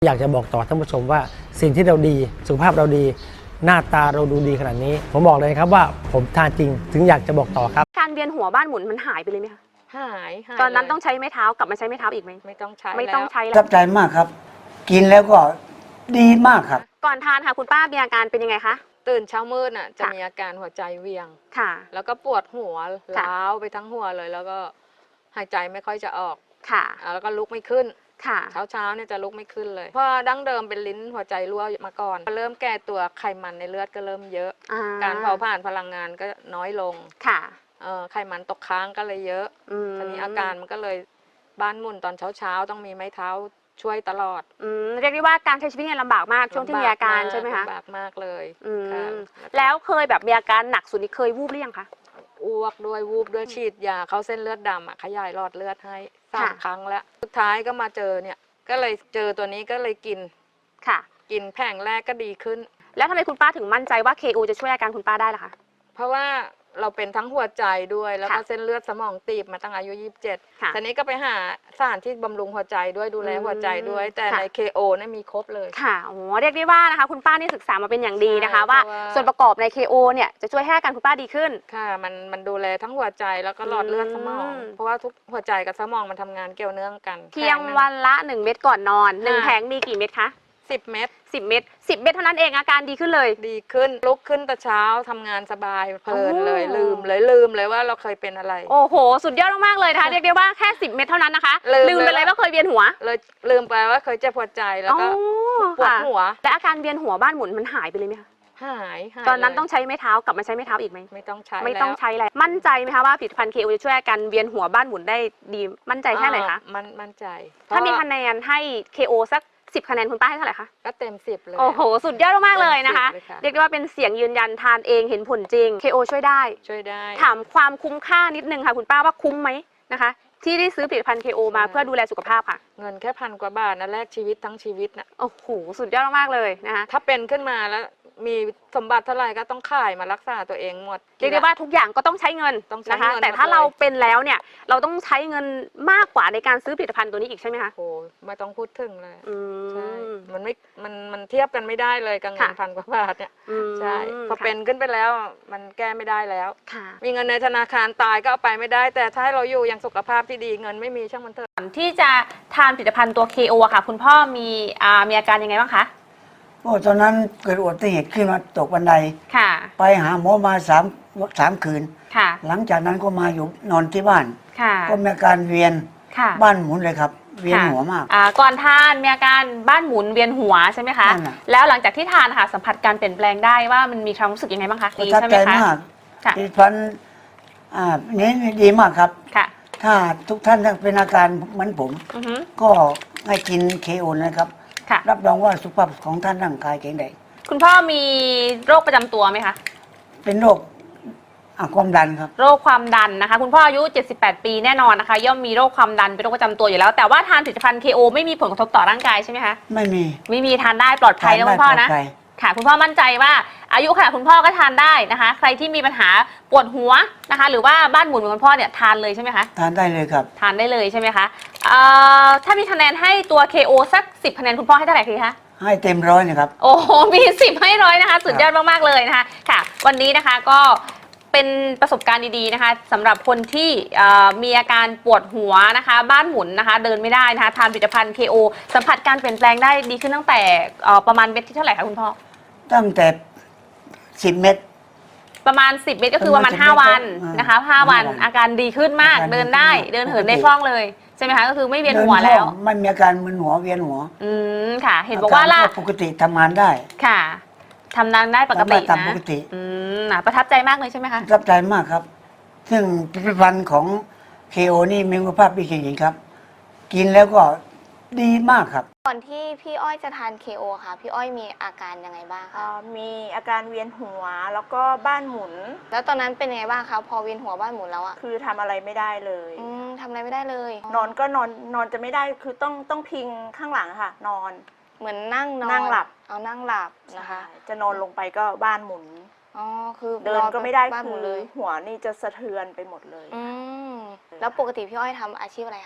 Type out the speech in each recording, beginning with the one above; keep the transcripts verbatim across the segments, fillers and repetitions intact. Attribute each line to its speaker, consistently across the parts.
Speaker 1: อยากจะบอกต่อท่านผู้ชมว่าสิ่งที่เราดีสุขภาพเราดีหน้าตาเราดูดีขนาดนี้ผมบอกเลยครับว่าผมทานจริงถึงอยากจะบอกต่อครับ
Speaker 2: การเวียนหัวบ้านหมุนมันหายไปเลยไหมคะ
Speaker 3: หายหาย
Speaker 2: ตอนนั้นต้องใช้ไม้เท้ากลับมาใช้ไม้เท้าอีกไหม
Speaker 3: ไม่ต้องใช้
Speaker 2: ไม่ต้องใช้
Speaker 4: แล้วประทับใจมากครับกินแล้วก็ดีมากครับ
Speaker 2: ก่อนทานค่ะคุณป้ามีอาการเป็นยังไงคะ
Speaker 3: ตื่นเช้ามืดน่ะจะมีอาการหัวใจเวียง
Speaker 2: ค่ะ
Speaker 3: แล้วก็ปวดหัวล้าวไปทั้งหัวเลยแล้วก็หายใจไม่ค่อยจะออก
Speaker 2: ค่ะ
Speaker 3: แล้วก็ลุกไม่ขึ้น
Speaker 2: ค่ะ
Speaker 3: เช้าเช้าเนี่ยจะลุกไม่ขึ้นเลยเพราะดั้งเดิมเป็นลิ้นหัวใจรั่วมาก่อนเริ่มแก่ตัวไขมันในเลือดก็เริ่มเยอะการเผาผลาญพลังงานก็น้อยลง
Speaker 2: ค่ะ
Speaker 3: ไขมันตกค้างก็เลยเยอะตอนนี้อาการมันก็เลยบ้านหมุนตอนเช้าเช้าต้องมีไม้เท้าช่วยตลอด
Speaker 2: อืมเรียกได้ว่าการใช้ชีวิตเนี่ยลำบากมากช่วงที่มีอาการใช่ไหมคะ
Speaker 3: ลำบากมากเลย
Speaker 2: แล้วเคยแบบมีอาการหนักสุดนี่เคยวูบหรือยังคะ
Speaker 3: อ้วกด้วยวูบด้วยฉีดยาเข้าเส้นเลือดดำอ่ะขยายหลอดเลือดให้สามครั้งแล้วสุดท้ายก็มาเจอเนี่ยก็เลยเจอตัวนี้ก็เลยกิน
Speaker 2: ค่ะ
Speaker 3: กินแผงแรกก็ดีขึ้น
Speaker 2: แล้วทำไมคุณป้าถึงมั่นใจว่า เค โอ จะช่วยอาการคุณป้าได้ล่ะคะ
Speaker 3: เพราะว่าเราเป็นทั้งหัวใจด้วยแล้วก็เส้นเลือดสมองตีบมาตั้งอายุยี่สิบเจ็ดทีนี้ก็ไปหาสถานที่บำรุงหัวใจด้วยดูแลหัวใจด้วยแต่ใน เค โอ เนี่ยมีครบเลย
Speaker 2: ค่ะโอ้เรียกได้ว่านะคะคุณป้านี่ศึกษามาเป็นอย่างดีนะคะว่าส่วนประกอบใน เค โอ เนี่ยจะช่วยให้อาการคุณป้าดีขึ้น
Speaker 3: ค่ะมันมันดูแลทั้งหัวใจแล้วก็หลอดเลือดสมองเพราะว่าทุกหัวใจกับสมองมันทำงานเกี่ยวเนื่องกัน
Speaker 2: เพียงวันละหนึ่งเม็ดก่อนนอนหนึ่งแผงมีกี่เม็ดคะ
Speaker 3: สิบเม็ด
Speaker 2: สิบเม็ดสิบเม็ดเท่านั้นเองอาการดีขึ้นเลย
Speaker 3: ดีขึ้นลุกขึ้นแต่เช้าทำงานสบายเพลินเลยลืมเลยลืมเลยว่าเราเคยเป็นอะไร
Speaker 2: โอ้โหสุดยอดมากๆเลยนะคะเรียกได้ว่าแค่สิบเม็ดเท่านั้นนะคะลืมไปเลยว่าเคยเวียนหัว
Speaker 3: เลยลืมไปว่าเคยเจ็บหัวใจแล้วก็ปวดหัว
Speaker 2: แต่อาการเวียนหัวบ้านหมุนมันหายไปเลยไหมคะ
Speaker 3: หาย
Speaker 2: ตอนนั้นต้องใช้ไม้เท้ากลับมาใช้ไม้เท้าอีกไหม
Speaker 3: ไม่ต้องใช้
Speaker 2: ไม่ต้องใช้แล้วมั่นใจไหมคะว่าผลิตภัณฑ์ เค โอ จะช่วยอาการเวียนหัวบ้านหมุนได้ดีมั่นใจแค่ไหนคะ
Speaker 3: มันมั่นใจ
Speaker 2: ถ้ามีคะแนนให้ เค โอ สักสิบคะแนนคุณป้าให้เท่าไหร่คะ
Speaker 3: ก็เต็มสิบเลย
Speaker 2: โอ้โหสุดยอดมากเลยนะคะเรียกได้ว่าเป็นเสียงยืนยันทานเองเห็นผลจริง เค โอ ช่วยได้
Speaker 3: ช่วยได้
Speaker 2: ถามความคุ้มค่านิดนึงค่ะคุณป้าว่าคุ้มไหมนะคะที่ได้ซื้อผลิตภัณฑ์ เค โอ มาเพื่อดูแลสุขภาพค่ะ
Speaker 3: เงินแค่พันกว่าบาทนะแลกชีวิตทั้งชีวิตนะ
Speaker 2: โอ้โหสุดยอดมากเลยนะคะ
Speaker 3: ถ้าเป็นขึ้นมาแล้วมีสมบัติเท่าไหร่ก็ต้องขายมารักษาตัวเองหมด
Speaker 2: เรียกได้ว่าทุกอย่างก็ต้องใช้เงินนะคะแต่ถ้าเราเป็นแล้วเนี่ยเราต้องใช้เงินมากกว่าในการซื้อผลิตภัณฑ์ตัวนี้อีกใช่ไหมคะ
Speaker 3: โอ้ไม่ต้องพูดถึงเลย
Speaker 2: ใช่
Speaker 3: มันไม่มันมันเทียบกันไม่ได้เลยกับเงินพันกว่าบาทเนี่ยใช่พอเป็นขึ้นไปแล้วมันแก้ไม่ได้แล้วมีเงินในธนาคารตายก็เอาไปไม่ได้แต่ถ้าเราอยู่อย่างสุขภาพที่ดีเงินไม่มีช่างมันเถอะ
Speaker 2: ที่จะทานผลิตภัณฑ์ตัว เค โอ ค่ะคุณพ่อมีอ่ามีอาการยังไงบ้างคะ
Speaker 4: โอ้ตอนนั้นเกิดอุบัติเหตุขึ้นมาตกบันได
Speaker 2: ค่ะ
Speaker 4: ไปหาหมอมาสามสามคืน
Speaker 2: ค่ะ
Speaker 4: หลังจากนั้นก็มาอยู่นอนที่บ้าน
Speaker 2: ค่ะ
Speaker 4: ก็มีอาการเวียนบ้านหมุนเลยครับเวียนหัวมาก
Speaker 2: อ่าก่อนทานมีอาการบ้านหมุนเวียนหัวใช่ไหมคะแล้วหลังจากที่ทานค่ะสัมผัสการเปลี่ยนแปลงได้ว่ามันมีความรู้สึกยังไงบ้างคะ
Speaker 4: ดีใช่ไหมคะผลิตภัณฑ์อ่านี้ดีมากครับ
Speaker 2: ค่ะ
Speaker 4: ถ้าทุกท่านเป็นอาการเหมือนผมก็ให้กิน เค โอ นะครับรับรองว่าสุขภาพของท่านร่างกายแข็งแรง
Speaker 2: คุณพ่อมีโรคประจำตัวไหมคะ
Speaker 4: เป็นโรคความดันครับ
Speaker 2: โรคความดันนะคะคุณพ่ออายุเจ็ดสิบแปดปีแน่นอนนะคะย่อมมีโรคความดันเป็นโรคประจำตัวอยู่แล้วแต่ว่าทานผลิตภัณฑ์ เค โอ ไม่มีผลกระทบต่อร่างกายใช่ไหมคะ
Speaker 4: ไม่มี
Speaker 2: ไม่มีทานได้ปลอดภัยนะคุณพ่อนะค่ะคุณพ่อมั่นใจว่าอายุขนาดคุณพ่อก็ทานได้นะคะใครที่มีปัญหาปวดหัวนะคะหรือว่าบ้านหมุนเหมือนคุณพ่อเนี่ยทานเลยใช่ไหมคะ
Speaker 4: ทานได้เลยครับ
Speaker 2: ทานได้เลยใช่ไหมคะถ้ามีคะแนนให้ตัว เค โอ สักสิบคะแนนคุณพ่อให้เท่าไหร่คะ
Speaker 4: ให้เต็มร้อยนะครับ
Speaker 2: โอ้โหมีสิบให้ร้อยนะคะสุดยอดมากๆเลยนะคะค่ะวันนี้นะคะก็เป็นประสบการณ์ดีๆนะคะสำหรับคนที่มีอาการปวดหัวนะคะบ้านหมุนนะคะเดินไม่ได้นะคะทานผลิตภัณฑ์ เค โอ สัมผัสการเปลี่ยนแปลงได้ดีขึ้นตั้งแต่ประมาณเม็ดที่เท่าไหร่คะคุณพ่อ
Speaker 4: ตั้งแต่สิบเม็ด
Speaker 2: ประมาณสิบเม็ดก็คือประมาณห้าวันนะคะห้าวันอาการดีขึ้นมากเดินได้เดินเหินได้คล่องเลยใช่ไหมคะก็คือไม่เวียนหัวแล้ว
Speaker 4: ไม่มีอาการมึนหัวเวียนหัว
Speaker 2: อืมค่ะเห็นบอกว่าล่ะ
Speaker 4: ปกติทำงานได้
Speaker 2: ค่ะทำงานได้ปกตินะ
Speaker 4: ปกติ
Speaker 2: อืมประทับใจมากเลยใช่ไหมคะ
Speaker 4: ประทับใจมากครับซึ่งผลิตภัณฑ์ของ เค โอ นี่มีคุณภาพดีจริงๆครับกินแล้วก็ดีมากครับ
Speaker 5: ก่อนที่พี่อ้อยจะทาน เค โอ ค่ะพี่อ้อยมีอาการยังไงบ้างคะ
Speaker 6: มีอาการเวียนหัวแล้วก็บ้านหมุน
Speaker 5: แล้วตอนนั้นเป็นยังไงบ้างคะพอเวียนหัวบ้านหมุนแล้วอะ
Speaker 6: คือทำอะไรไม่ได้เลย
Speaker 5: อืมทำอะไรไม่ได้เลย
Speaker 6: นอนก็นอนนอนจะไม่ได้คือต้องต้องพิงข้างหลังค่ะนอน
Speaker 5: เหมือนนั่งนอน
Speaker 6: นั่งหลับ
Speaker 5: เอานั่งหลับนะคะ
Speaker 6: จะนอนลงไปก็บ้านหมุน
Speaker 5: อ๋อคือ
Speaker 6: เดินก็ไม่ได้คือหัวนี่จะสะเทือนไปหมดเลย
Speaker 5: อืมแล้วปกติพี่อ้อยทำอาชีพอะไรคะ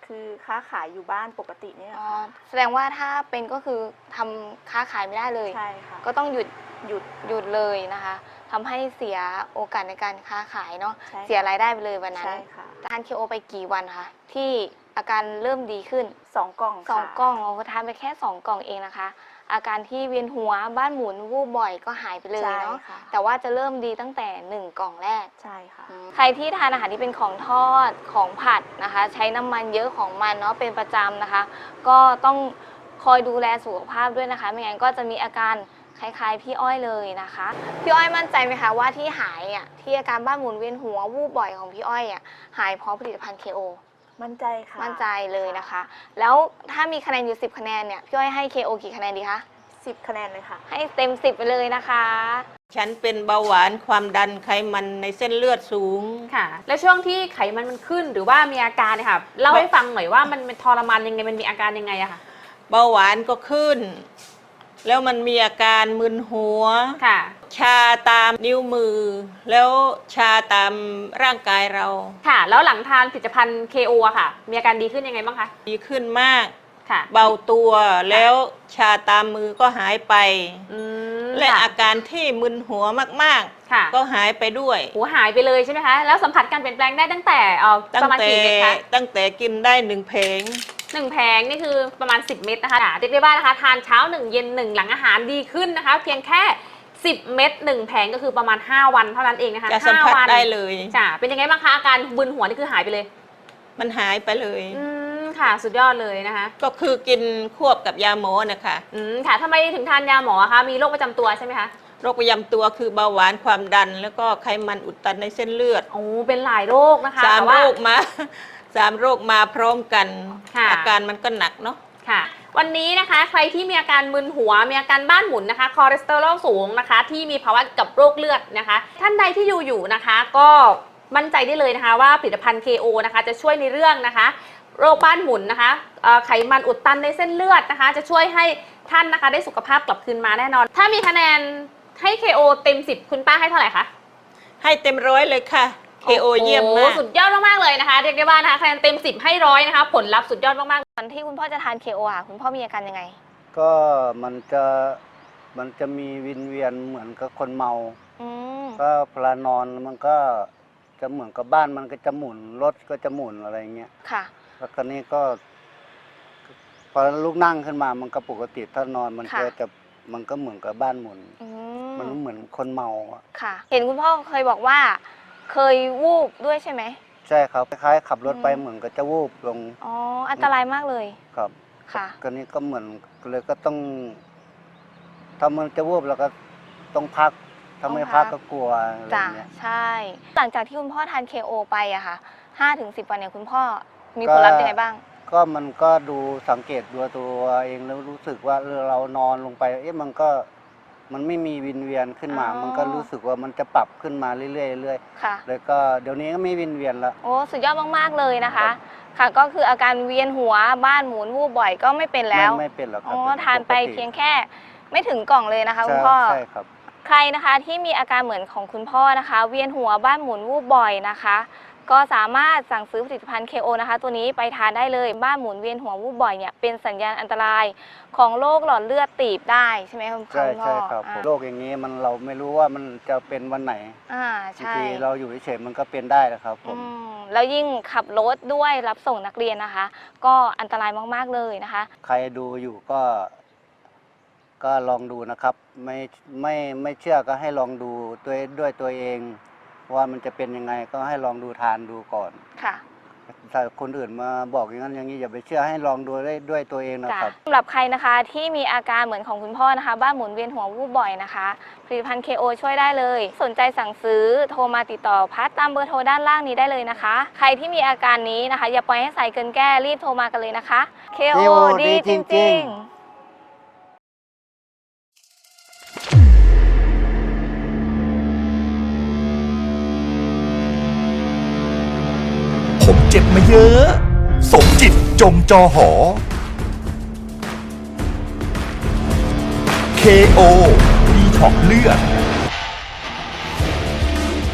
Speaker 6: คือค้าขายอยู่บ้านปกติเนี่ย
Speaker 5: อ๋อ
Speaker 6: ค่ะ
Speaker 5: แสดงว่าถ้าเป็นก็คือทำค้าขายไม่ได้เลย
Speaker 6: ใช่ค่ะ
Speaker 5: ก็ต้องหยุด
Speaker 6: หยุด
Speaker 5: หยุดเลยนะคะทำให้เสียโอกาสในการค้าขายเนาะ
Speaker 6: ใช่ค่ะ
Speaker 5: เสียรายได้ไปเลยวันนั้น
Speaker 6: ใช่ค่ะ
Speaker 5: ทานเคโอไปกี่วันคะที่อาการเริ่มดีขึ้น
Speaker 6: สองกล่อง
Speaker 5: สอง
Speaker 6: ค่ะ
Speaker 5: กล่องเราทานไปแค่สองกล่องเองนะคะ อาการที่เวียนหัวบ้านหมุนวูบบ่อยก็หายไปเลย
Speaker 6: ใช่
Speaker 5: เนาะ
Speaker 6: ค่ะ
Speaker 5: แต่ว่าจะเริ่มดีตั้งแต่หนึ่งกล่องแรก
Speaker 6: ใช่ค่ะ
Speaker 5: ใครที่ทานอาหารที่เป็นของทอดของผัดนะคะ ใช้น้ำมันเยอะของมันเนาะเป็นประจำนะคะ ก็ต้องคอยดูแลสุขภาพด้วยนะคะ ไม่งั้นก็จะมีอาการคล้ายๆพี่อ้อยเลยนะคะ พี่อ้อยมั่นใจไหมคะว่าที่หายอ่ะที่อาการบ้านหมุนเวียนหัววูบบ่อยของพี่อ้อยอ่ะหายเพราะผลิตภัณฑ์ เค โอ
Speaker 6: มั่นใจค่ะ
Speaker 5: มั่นใจเลยนะคะ แล้วถ้ามีคะแนนอยู่สิบคะแนนเนี่ยพี่อ้อยให้ เค โอ กี่คะแนนดีคะ
Speaker 6: สิบคะแนนเลยค่ะ
Speaker 5: ให้เต็มสิบไปเลยนะคะ
Speaker 7: ฉันเป็นเบาหวานความดันไขมันในเส้นเลือดสูง
Speaker 2: ค่ะ แล้วช่วงที่ไขมันมันขึ้นหรือว่ามีอาการเนี่ยค่ะเล่าให้ฟังหน่อยว่ามันเป็นทรมานยังไงมันมีอาการยังไงอะค่ะ
Speaker 7: เบาหวานก็ขึ้น แล้วมันมีอาการมึนหัว
Speaker 2: ค่ะ
Speaker 7: ชาตามนิ้วมือ แล้วชาตามร่างกายเรา
Speaker 2: ค่ะ แล้วหลังทานผลิตภัณฑ์ เค โอ อะค่ะ มีอาการดีขึ้นยังไงบ้างคะ
Speaker 7: ดีขึ้นมาก
Speaker 2: ค่ะ
Speaker 7: เบาตัวแล้วชาตามมือก็หายไป
Speaker 2: อืม
Speaker 7: และ
Speaker 2: ค่ะ
Speaker 7: อาการที่มึนหัวมาก
Speaker 2: ค่ะ
Speaker 7: ๆ ก็หายไปด้วย
Speaker 2: หูหายไปเลยใช่ไหมคะ แล้วสัมผัสการเปลี่ยนแปลงได้ตั้งแต่เอ่อ
Speaker 7: ตั้
Speaker 2: ป
Speaker 7: ง
Speaker 2: ระมาณ
Speaker 7: แต่
Speaker 2: กี่เม็ดคะ
Speaker 7: ตั้งแต่กินได้หนึ่งเพลง
Speaker 2: หนึ่งแผงนี่คือประมาณสิบเม็ดนะคะเรียกได้ว่านะคะทานเช้าหนึ่งเย็นหนึ่งหลังอาหารดีขึ้นนะคะ เพียงแค่สิบเม็ดหนึ่งแผงก็คือประมาณห้าวันเท่านั้นเองนะคะ
Speaker 7: จะสัมผัส
Speaker 2: ห้าวัน
Speaker 7: ได้เลย
Speaker 2: จ้ะเป็นยังไงบ้างคะอาการบึนหัวนี่คือหายไปเลย
Speaker 7: มันหายไปเลย
Speaker 2: อืมค่ะสุดยอดเลยนะคะ
Speaker 7: ก็คือกินควบกับยาหมอนะคะ
Speaker 2: อืมค่ะทำไมถึงทานยาหมอคะมีโรคประจำตัวใช่ไหมคะ
Speaker 7: โรคประจำตัวคือเบาหวานความดัน แล้วก็ไขมันอุดตันในเส้นเลือด
Speaker 2: โอ้เป็นหลายโรคนะคะ
Speaker 7: สาม
Speaker 2: แต่
Speaker 7: โร
Speaker 2: ว่า
Speaker 7: คมา สามโรคมาพร้อมกัน
Speaker 2: ค่ะ
Speaker 7: อาการมันก็หนักเนาะ
Speaker 2: ค่ะ วันนี้นะคะใครที่มีอาการมึนหัวมีอาการบ้านหมุนนะคะคอเลสเตอรอลสูงนะคะ ที่มีภาวะกับโรคเลือดนะคะ ท่านใดที่อยู่อยู่นะคะ ก็มั่นใจได้เลยนะคะว่าผลิตภัณฑ์ เค โอ นะคะจะช่วยในเรื่องนะคะ โรคบ้านหมุนนะคะเอ่อไขมันอุดตันในเส้นเลือดนะคะ จะช่วยให้ท่านนะคะได้สุขภาพกลับคืนมาแน่นอน ถ้ามีคะแนนให้ เค โอ เต็มสิบคุณป้าให้เท่าไหร่คะ
Speaker 7: ให้เต็มร้อยเลยค่ะ เค โอ เยี่ยมมาก
Speaker 2: โอ้สุดยอดมากๆเลยนะคะเรียกได้ว่านะคะคะแนนเต็มสิบให้ร้อยนะคะ ผลลัพธ์สุดยอดมากๆ
Speaker 5: ตอนที่คุณพ่อจะทาน เค โอ อ่ะคุณพ่อมีอาการยังไง
Speaker 8: ก็มันจะมันจะมีวินเวียนเหมือนกับคนเมา
Speaker 5: อืม
Speaker 8: ก็เวลานอนมันก็จะเหมือนกับบ้านมันก็จะหมุนรถก็จะหมุนอะไรเงี้ย
Speaker 5: ค่ะ
Speaker 8: แล้วคราวนี้ก็พอลุกนั่งขึ้นมามันก็ปกติถ้านอนมัน
Speaker 5: ค่ะ
Speaker 8: ก็จะมันก็เหมือนกับบ้านหมุน
Speaker 5: อื
Speaker 8: มัน
Speaker 5: ม
Speaker 8: เหมือนคนเมาอะ
Speaker 5: ค่ะ เห็นคุณพ่อเคยบอกว่า เคยวูบด้วยใช่ไหม
Speaker 8: ใช่ครับคล้ายๆขับรถไป
Speaker 5: อืม
Speaker 8: เหมือนกับจะวูบลง
Speaker 5: อ๋ออันตรายมากเลย
Speaker 8: ครับ
Speaker 5: ค่ะ
Speaker 8: คราวนี้ก็เหมือนเลยก็ต้องถ้ามันจะวูบเราก็ต้องพักถ้าไม่
Speaker 5: ต้องพั
Speaker 8: พั
Speaker 5: ก
Speaker 8: กก็กลัวอะไร
Speaker 5: จ้ะ
Speaker 8: เงี้ย
Speaker 5: ใช่ หลังจากที่คุณพ่อทาน เค โอ ไปอะค่ะห้าถึงสิบวันเนี่ยคุณพ่อมีผลลัพธ์ยังไงบ้าง
Speaker 8: ก็มันก็ดูสังเกตดูตัวเองแล้วรู้สึกว่าเออเรานอนลงไป เอ๊ะมันก็มันไม่มีวินเวียนขึ้นมา
Speaker 5: อ๋อ
Speaker 8: มันก็รู้สึกว่ามันจะปรับขึ้นมาเรื่อยๆเรื่อย
Speaker 5: ค่ะ
Speaker 8: ๆแล้วก็เดี๋ยวนี้ก็ไม่วินเวียนละ
Speaker 5: โอ้สุดยอดมากๆเลยนะคะ ค่ะ ก็คืออาการเวียนหัวบ้านหมุนวูบบ่อยก็ไม่เป็นแล้ว
Speaker 8: ไม่ไม่เป็นหรอกครั
Speaker 5: อ๋
Speaker 8: บ
Speaker 5: อ
Speaker 8: เป็น
Speaker 5: ทานไป
Speaker 8: กติ
Speaker 5: เพียงแค่ไม่ถึงกล่องเลยนะคะคุณ
Speaker 8: ใช่
Speaker 5: พ่อ
Speaker 8: ใช่ครับ
Speaker 5: ใครนะคะที่มีอาการเหมือนของคุณพ่อนะคะ เวียนหัวบ้านหมุนวูบบ่อยนะคะ ก็สามารถสั่งซื้อผลิตภัณฑ์ เค โอ นะคะ ตัวนี้ไปทานได้เลยบ้านหมุนเวียนหัววูบบ่อยเนี่ยเป็นสัญญาณอันตรายของโรคหลอดเลือดตีบได้ใช่ไหมคุณพ่อ
Speaker 8: ใช่ใช่ครับ
Speaker 5: อ่า
Speaker 8: โรคอย่างนี้มันเราไม่รู้ว่ามันจะเป็นวันไหน
Speaker 5: อ่า
Speaker 8: บาง
Speaker 5: ใช่
Speaker 8: ทีเราอยู่เฉยๆมันก็เป็นได้นะครับผม
Speaker 5: อืมแล้วยิ่งขับรถด้วยรับส่งนักเรียนนะคะ ก็อันตรายมากๆเลยนะคะ
Speaker 8: ใครดูอยู่ก็ ก็ลองดูนะครับ ไม่ไม่ไม่เชื่อก็ให้ลองดูด้วยด้วยตัวเอง ว่ามันจะเป็นยังไงก็ให้ลองดูทานดูก่อน
Speaker 5: ค่ะ
Speaker 8: ถ้าคนอื่นมาบอกอย่างนั้นอย่างนี้อย่าไปเชื่อให้ลองดูได้ด้วยตัวเองนะ
Speaker 5: จ้ะ
Speaker 8: ครับ
Speaker 5: สำหรับใครนะคะที่มีอาการเหมือนของคุณพ่อนะคะ บ้านหมุนเวียนหัววูบบ่อยนะคะผลิตภัณฑ์ เค โอ ช่วยได้เลย สนใจสั่งซื้อโทรมาติดต่อพัดตามเบอร์โทรด้านล่างนี้ได้เลยนะคะ ใครที่มีอาการนี้นะคะ อย่าปล่อยให้ใส่เกินแก้รีบโทรมากันเลยนะคะ เค โอ
Speaker 8: เค โอ
Speaker 5: ดี
Speaker 8: ดี
Speaker 5: จ
Speaker 8: จริ
Speaker 5: ริง
Speaker 8: ง
Speaker 5: ๆ
Speaker 9: ผมเจ็บมาเยอะ สมจิตจงจอหอ เค โอ ดีท็อกเลือด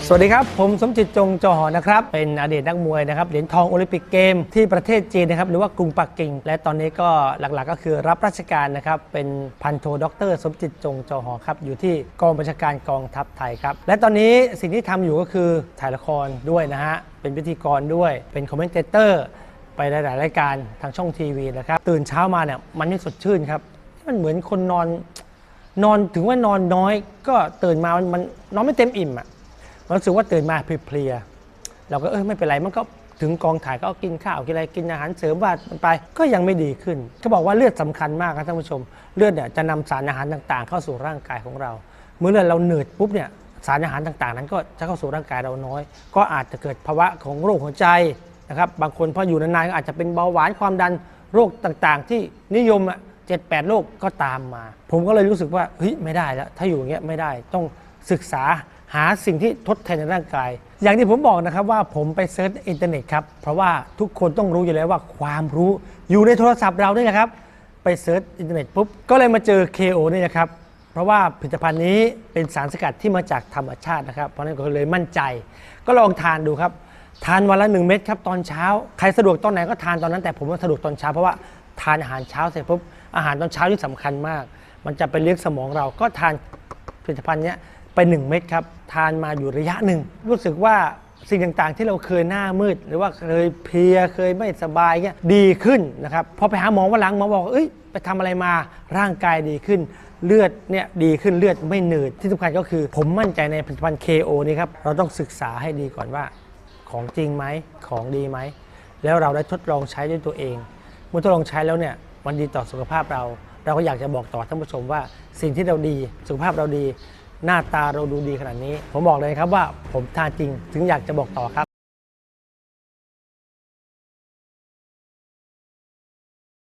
Speaker 1: สวัสดีครับผมสมจิตจงจอหอนะครับเป็นอดีตนักมวยนะครับเหรียญทองโอลิมปิกเกมที่ประเทศจีนนะครับหรือว่ากรุงปักกิ่งและตอนนี้ก็หลักๆก็คือรับราชการนะครับเป็นพันโทด็อกเตอร์สมจิตจงจอหอครับอยู่ที่กองบัญชาการกองทัพไทยครับและตอนนี้สิ่งที่ทำอยู่ก็คือถ่ายละครด้วยนะฮะเป็นพิธีกรด้วยเป็นคอมเมนเตอร์ไปหลายๆรายการทางช่องทีวีนะครับตื่นเช้ามาเนี่ยมันไม่สดชื่นครับมันเหมือนคนนอนนอนถึงว่านอนน้อยก็ตื่นมามันมันนอนไม่เต็มอิ่มอ่ะรู้สึกว่าตื่นมาเพลียๆเราก็เออไม่เป็นไรมันก็ถึงกองถ่ายก็กินข้าวกินอะไรกินอาหารเสริมว่าไปก็ยังไม่ดีขึ้นเขาบอกว่าเลือดสำคัญมากครับท่านผู้ชมเลือดเนี่ยจะนำสารอาหารต่างๆเข้าสู่ร่างกายของเราเมื่อเลือดเราเหนื่อยปุ๊บเนี่ยสารอาหารต่างๆนั้นก็จะเข้าสู่ร่างกายเราน้อยก็อาจจะเกิดภาวะของโรคหัวใจนะครับบางคนพออยู่นานๆก็อาจจะเป็นเบาหวานความดันโรคต่างๆที่นิยมอ่ะเจ็ดแปดโรคก็ตามมาผมก็เลยรู้สึกว่าเฮ้ยไม่ได้แล้วถ้าอยู่อย่างเงี้ยไม่ได้ต้องศึกษาหาสิ่งที่ทดแทนในร่างกายอย่างที่ผมบอกนะครับว่าผมไปเซิร์ชอินเทอร์เน็ตครับเพราะว่าทุกคนต้องรู้อยู่แล้วว่าความรู้อยู่ในโทรศัพท์เรานี่แหละครับไปเซิร์ชอินเทอร์เน็ตปุ๊บก็เลยมาเจอ เค โอ นี่นะครับเพราะว่าผลิตภัณฑ์นี้เป็นสารสกัดที่มาจากธรรมชาตินะครับเพราะนั้นก็เลยมั่นใจก็ลองทานดูครับทานวันละหนึ่งเม็ดครับตอนเช้าใครสะดวกตอนไหนก็ทานตอนนั้นแต่ผมว่าสะดวกตอนเช้าเพราะว่าทานอาหารเช้าเสร็จปุ๊บอาหารตอนเช้าที่สำคัญมากมันจะไปเลี้ยงสมองเราก็ทานผลิตภัณฑ์นี้ไปหนึ่งเม็ดครับทานมาอยู่ระยะหนึ่งรู้สึกว่าสิ่งต่างๆที่เราเคยหน้ามืดหรือว่าเคยเพลียเคยไม่สบายเงี้ยดีขึ้นนะครับพอไปหาหมอวันหลังหมอบอกเอ้ยไปทำอะไรมาร่างกายดีขึ้นเลือดเนี่ยดีขึ้นเลือดไม่หนืดที่สำคัญก็คือผมมั่นใจในผลิตภัณฑ์ เค โอ นี่ครับเราต้องศึกษาให้ดีก่อนว่าของจริงไหมของดีไหมแล้วเราได้ทดลองใช้ด้วยตัวเองเมื่อทดลองใช้แล้วเนี่ยมันดีต่อสุขภาพเราเราก็อยากจะบอกต่อท่านผู้ชมว่าสิ่งที่เราดีสุขภาพเราดีหน้าตาเราดูดีขนาดนี้ผมบอกเลยครับว่าผมทานจริงถึงอยากจะบอกต่อครับ